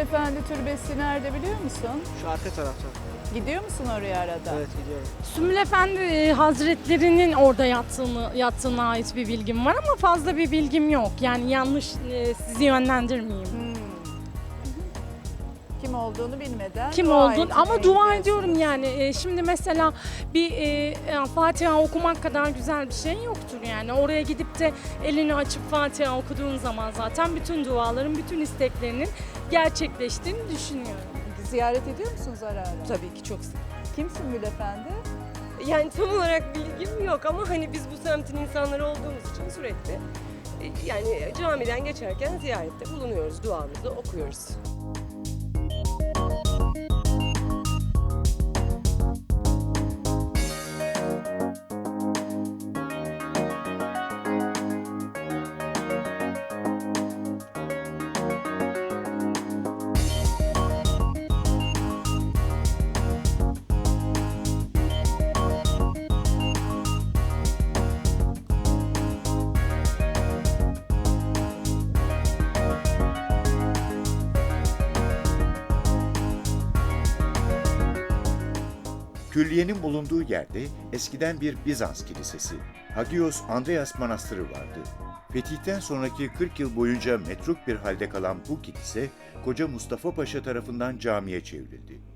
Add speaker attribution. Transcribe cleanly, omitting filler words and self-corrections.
Speaker 1: Efendi Türbesi nerede biliyor musun?
Speaker 2: Şu arka tarafta.
Speaker 1: Gidiyor musun oraya arada?
Speaker 2: Evet, gidiyorum.
Speaker 3: Sümbül Efendi Hazretleri'nin orada yattığına ait bir bilgim var ama fazla bir bilgim yok. Yani yanlış sizi yönlendirmeyeyim.
Speaker 1: Kim olduğunu bilmeden
Speaker 3: Kim
Speaker 1: dua
Speaker 3: olduğunu
Speaker 1: etmeye
Speaker 3: ama dua
Speaker 1: gidiyorsun.
Speaker 3: ediyorum yani. Şimdi mesela bir Fatiha okumak kadar güzel bir şey yoktur yani. Oraya gidip de elini açıp Fatiha okuduğun zaman zaten bütün duaların, bütün isteklerinin gerçekleştiğini düşünüyorum.
Speaker 1: Ziyaret ediyor musunuz ara ara?
Speaker 4: Tabii ki çok sık.
Speaker 1: Kim Sümbül Efendi?
Speaker 4: Yani tam olarak bilgim yok ama hani biz bu semtin insanları olduğumuz için sürekli yani camiden geçerken ziyarette bulunuyoruz, duamızı okuyoruz.
Speaker 5: Külliyenin bulunduğu yerde eskiden bir Bizans kilisesi, Hagios Andreas Manastırı vardı. Fetihten sonraki 40 yıl boyunca metruk bir halde kalan bu kilise, Koca Mustafa Paşa tarafından camiye çevrildi.